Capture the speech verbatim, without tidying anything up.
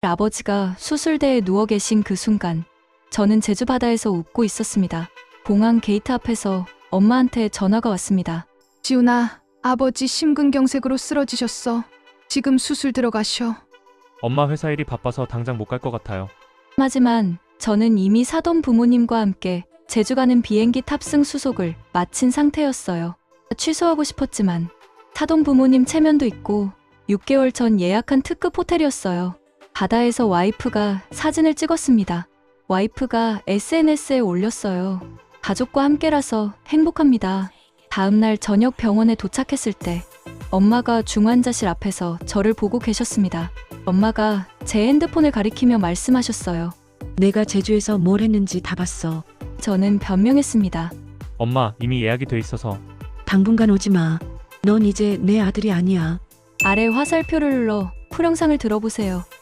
아버지가 수술대에 누워 계신 그 순간 저는 제주 바다에서 웃고 있었습니다. 공항 게이트 앞에서 엄마한테 전화가 왔습니다. 지훈아, 아버지 심근경색으로 쓰러지셨어. 지금 수술 들어가셔. 엄마 회사 일이 바빠서 당장 못 갈 것 같아요. 하지만 저는 이미 사돈 부모님과 함께 제주 가는 비행기 탑승 수속을 마친 상태였어요. 취소하고 싶었지만 사돈 부모님 체면도 있고 육 개월 전 예약한 특급 호텔이었어요. 바다에서 와이프가 사진을 찍었습니다. 와이프가 에스엔에스에 올렸어요. 가족과 함께라서 행복합니다. 다음날 저녁 병원에 도착했을 때 엄마가 중환자실 앞에서 저를 보고 계셨습니다. 엄마가 제 핸드폰을 가리키며 말씀하셨어요. 내가 제주에서 뭘 했는지 다 봤어. 저는 변명했습니다. 엄마, 이미 예약이 돼 있어서. 당분간 오지 마. 넌 이제 내 아들이 아니야. 아래 화살표를 눌러 풀영상을 들어보세요.